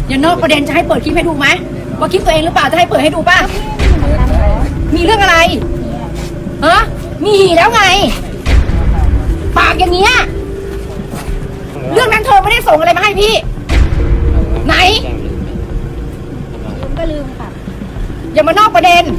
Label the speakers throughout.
Speaker 1: อย่านอกประเด็นจะให้เปิดคลิปให้ดูไหมว่าคลิปตัวเองหรือเปล่าจะให้เปิดให้ดูป่ะมีเรื่องอะไรฮะมีแล้วไงปากอย่างเงี้ยเรื่องนั้นเธอไม่ได้ส่งอะไรมาให้พี่ไหน
Speaker 2: ลืมก็ลืมค่ะ
Speaker 1: อย่ามานอกประเด็น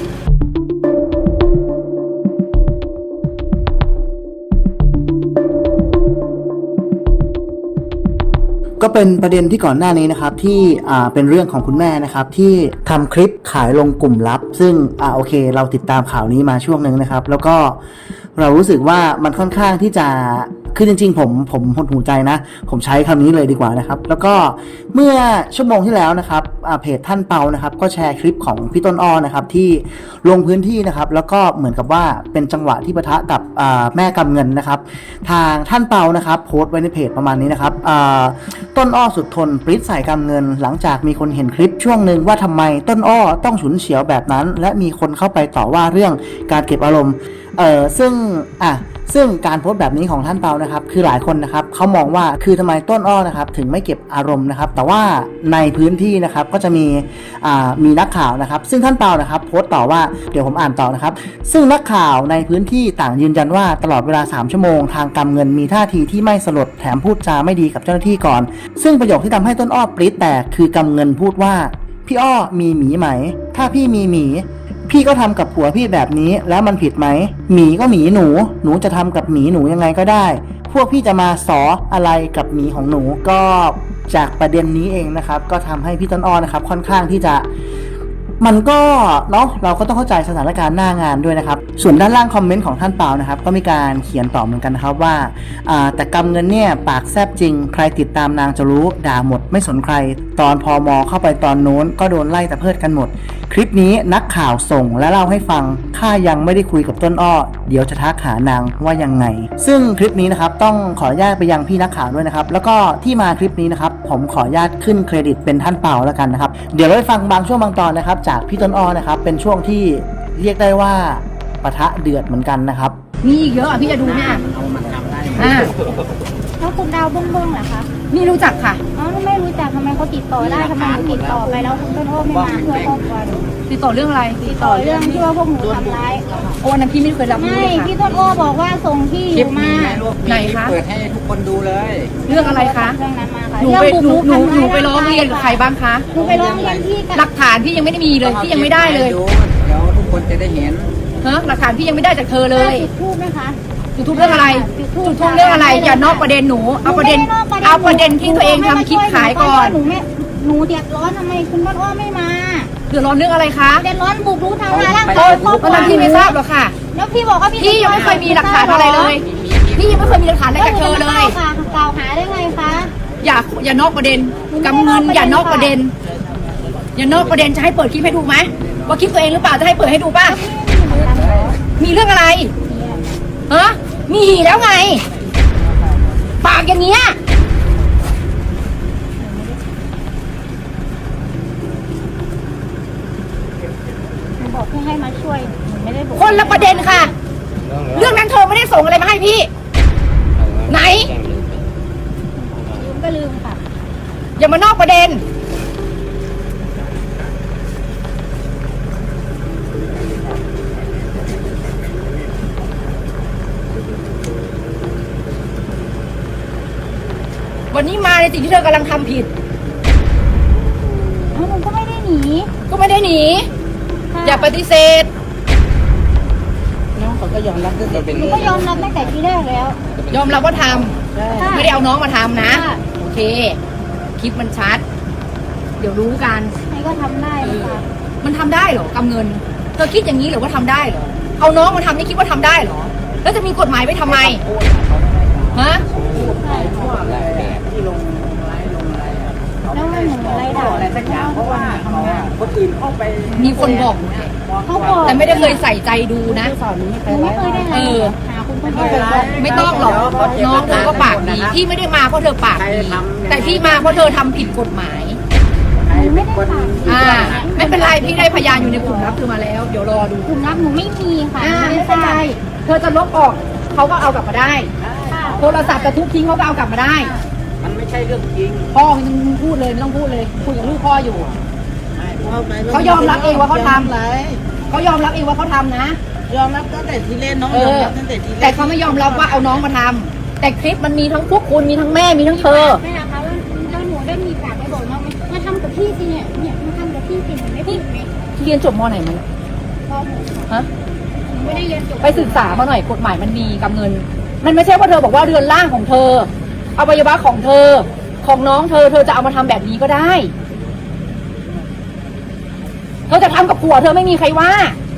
Speaker 3: ก็เป็นประเด็นที่ก่อนหน้านี้นะครับที่เป็นเรื่องของคุณแม่นะครับที่ทำคลิปขายลงกลุ่มลับซึ่งโอเคเราติดตามข่าวนี้มาช่วงหนึ่งนะครับแล้วก็เรารู้สึกว่ามันค่อนข้างที่จะคือจริงๆผมหดหูใจนะผมใช้คำนี้เลยดีกว่านะครับแล้วก็เมื่อชั่วโมงที่แล้วนะครับเพจท่านเปานะครับก็แชร์คลิปของพี่ต้นอ้อนะครับที่ลงพื้นที่นะครับแล้วก็เหมือนกับว่าเป็นจังหวะที่ปะทะกับแม่กำเงินนะครับทางท่านเปานะครับโพสต์ไว้ในเพจประมาณนี้นะครับต้นอ้อสุดทนปริ้ดใส่กำเงินหลังจากมีคนเห็นคลิปช่วงหนึ่งว่าทำไมต้นอ้อต้องฉุนเฉียวแบบนั้นและมีคนเข้าไปต่อว่าเรื่องการเก็บอารมณ์ซึ่งการโพสต์แบบนี้ของท่านเปานะครับคือหลายคนนะครับเขามองว่าคือทำไมต้นอ้อนะครับถึงไม่เก็บอารมณ์นะครับแต่ว่าในพื้นที่นะครับก็จะมีนักข่าวนะครับซึ่งท่านเปานะครับโพสต์ต่อว่าเดี๋ยวผมอ่านต่อนะครับซึ่งนักข่าวในพื้นที่ต่างยืนยันว่าตลอดเวลา3ชั่วโมงทางกำเงินมีท่าทีที่ไม่สลดแถมพูดจาไม่ดีกับเจ้าหน้าที่ก่อนซึ่งประโยคที่ทำให้ต้นอ้อปรี๊ดแตกคือกำเงินพูดว่าพี่อ้อมีหมีไหมถ้าพี่มีหมีพี่ก็ทำกับผัวพี่แบบนี้แล้วมันผิดไหมหมีก็หมีหนูจะทำกับหมีหนูยังไงก็ได้พวกพี่จะมาสออะไรกับหมีของหนูก็จากประเด็นนี้เองนะครับก็ทำให้พี่ต้นอ้อนะครับค่อนข้างที่จะมันก็เนาะเราก็ต้องเข้าใจสถานการณ์หน้างานด้วยนะครับส่วนด้านล่างคอมเมนต์ของท่านเปานะครับก็มีการเขียนต่อเหมือนกันนะครับว่าแต่กำเงินเนี่ยปากแซบจริงใครติดตามนางจะรู้ด่าหมดไม่สนใครตอนพม.เข้าไปตอนโน้นก็โดนไล่แต่เพิดกันหมดคลิปนี้นักข่าวส่งและเล่าให้ฟังข้ายังไม่ได้คุยกับต้นอ้อเดี๋ยวจะทักหานางว่ายังไงซึ่งคลิปนี้นะครับต้องขออนุญาตไปยังพี่นักข่าวด้วยนะครับแล้วก็ที่มาคลิปนี้นะครับผมขออนุญาตขึ้นเครดิตเป็นท่านเปาแล้วกันนะครับเดี๋ยวเราไปฟังบางช่วงบางตอนนะครับจากพี่ต้นอ้อนะครับเป็นช่วงที่เรียกได้ว่าปะทะเดือดเหมือนกันนะครับ
Speaker 1: มีอีกเยอะพี่จะดูเนี่ย
Speaker 2: แล้วคุณดาวบ้งๆเหรอคะ
Speaker 1: นี่รู้จักค่ะ
Speaker 2: อ๋อไม่รู้จักทำไมเขาติดต่อได้ทำไมติดต่อไปแล้วคุณต้นอ้อไม่มาเพื่อครอบครัว
Speaker 1: ติดต่อเรื่องอะไร
Speaker 2: ติดต่อเรื่องที่ว่าพวกหนูทำร้าย
Speaker 1: โอ้นั้นพี่ไม่เคยรับรู้เลยค่ะ
Speaker 2: พี่ต้นอ้อบอกว่าส่งที่อยู่มา
Speaker 1: ไหนคะ
Speaker 4: เปิดให้ทุกคนดูเลย
Speaker 1: เรื่องอะไรคะ
Speaker 2: เรื่องนั้นมาค่ะ
Speaker 1: หนูไปร้องเรียนกับใครบ้างคะ
Speaker 2: หนูไปร้องเรียนที่
Speaker 1: หลักฐานพี่ยังไม่ได้มีเลยพี่ยังไม่ได้เลย
Speaker 4: เดี๋ยวทุกคนจะได้เห็น
Speaker 1: หลักฐานพี่ยังไม่ได้จากเธอเลย
Speaker 2: จุดทูบไหมคะ
Speaker 1: จุดทูบเรื่องอะไรจุดทูบเรื่องอะไรอย่านอกประเด็นหนูเอาประเด็นที่ตัวเองทำคลิปขายก่อน
Speaker 2: หนูเดือดร้อนทำไมคุณต้นอ้อไม่มา
Speaker 1: เดือดร้อนเรื่องอะไรคะ
Speaker 2: เดือดร้อนบุกรุกทำร้ายร่างกาย
Speaker 1: ตอนนั้นพี่ไม่ทราบหรอกค่ะ
Speaker 2: แล้วพี่บอกว่า
Speaker 1: พี่ยังไม่เคยมีหลักฐานอะไรเลยพี่ยังไม่เคยมีหลักฐานอะไรจากเธอเลย
Speaker 2: กล่าวหาได้ไงคะ
Speaker 1: อย่านอกประเด็นกำเงินอย่านอกประเด็นอย่านอกประเด็นจะให้เปิดคลิปให้ดูไหมว่าคลิปตัวเองหรือเปล่าจะให้เปิดให้ดูป่ะมีเรื่องอะไรฮะมีแล้วไงปากอย่างเงี้ย
Speaker 2: บอกให้มาช่วยไม่ได้บอก
Speaker 1: คนละประเด็นค่ะเรื่องนั้นเธอไม่ได้ส่งอะไรมาให้พี่ไหน
Speaker 2: ลืมก็ลืมค่ะ
Speaker 1: อย่ามานอกประเด็นวันนี้มาในสิ่งที่เธอกำลังทำผิด
Speaker 2: หนูก็ไม่ได้หนี
Speaker 1: อย่าปฏิเสธ
Speaker 4: น้องเขาก็ยอมรับด้วย
Speaker 2: หนูก็ยอมรับตั้งแต่ทีแรกแล้ว
Speaker 1: ยอมรับว่าทำไม่ได้เอาน้องมาทำนะโอเคคลิปมันชัดเดี๋ยวรู้กัน
Speaker 2: ใครก็ทำได้ค่ะ
Speaker 1: มันทำได้เหรอกำเงินเธอคิดอย่างนี้หรือว่าทำได้เหรอเอาน้องมาทำนี่คิดว่าทำได้เหรอแล้วจะมีกฎหมายไว้ทำไมฮะ
Speaker 2: แล้วมันหนูอะไรด่า
Speaker 4: อะไรสักอย่างเพราะว่าคนอื่นเข้าไป
Speaker 1: มีคนบอก
Speaker 2: เขาบอก
Speaker 1: แต่ไม่ได้เคยใส่ใจดูนะ
Speaker 2: ไม่เคยได้หาคุณต้นอ้อ
Speaker 1: ไม่ต้องหรอกน้องเธอก็ปากดีพี่ไม่ได้มาเพราะเธอปากดีแต่พี่มาเพราะเธอทำผิดกฎหมาย
Speaker 2: ไม่ได้ปาก
Speaker 1: ไม่เป็นไรพี่ได้พยานอยู่ในกลุ่มลับเธอมาแล้วเดี๋ยวรอดู
Speaker 2: กลุ่มลับหนูไม่มีค่ะ
Speaker 1: ไม่เป็นไรเธอจะลบออกเขาก็เอากลับมาได้โทรศัพท์จะทุบทิ้งเขาก็เอากลับมาได้
Speaker 4: มันไม่ใช่เรื่องจริง
Speaker 1: พ่อไม่ต้องพูดเลยไม่ต้องพูดเลยคุยกับลูกพ่ออยู่ เขายอมรับเองว่าเขาทำ
Speaker 4: ไร
Speaker 1: เขายอมรับเองว่าเขาทำนะ
Speaker 4: ยอมรับตั้งแต่ทีเล่นน้องยอมรับตั้งแต่ทีเล่น
Speaker 1: แต่เขาไม่ยอมรับว่าเอาน้องมาทำแต่คลิปมันมีทั้งพวกคุณมีทั้งแม่มีทั้งเธอ
Speaker 2: แม่นะคะแล้วหนูได้มีปากไปบอกน้องไหมมาทำกับพี่สิเนี่ยมาทำกับพี่สิมันไม่ผิดไหม
Speaker 1: เรียนจบมไหนมัน
Speaker 2: พ่อหนู
Speaker 1: ฮะ
Speaker 2: หนูไม่ได้เรียนจบ
Speaker 1: ไปศึกษามาหน่อยกฎหมายมันมีกับเงิน มันไม่ใช่ว่าเธอบอกว่าเรือนร่างของเธออวัยวะของเธอของน้องเธอจะเอามาทำแบบนี้ก็ได้ เธอจะทำกับผัวเธอไม่มีใครว่า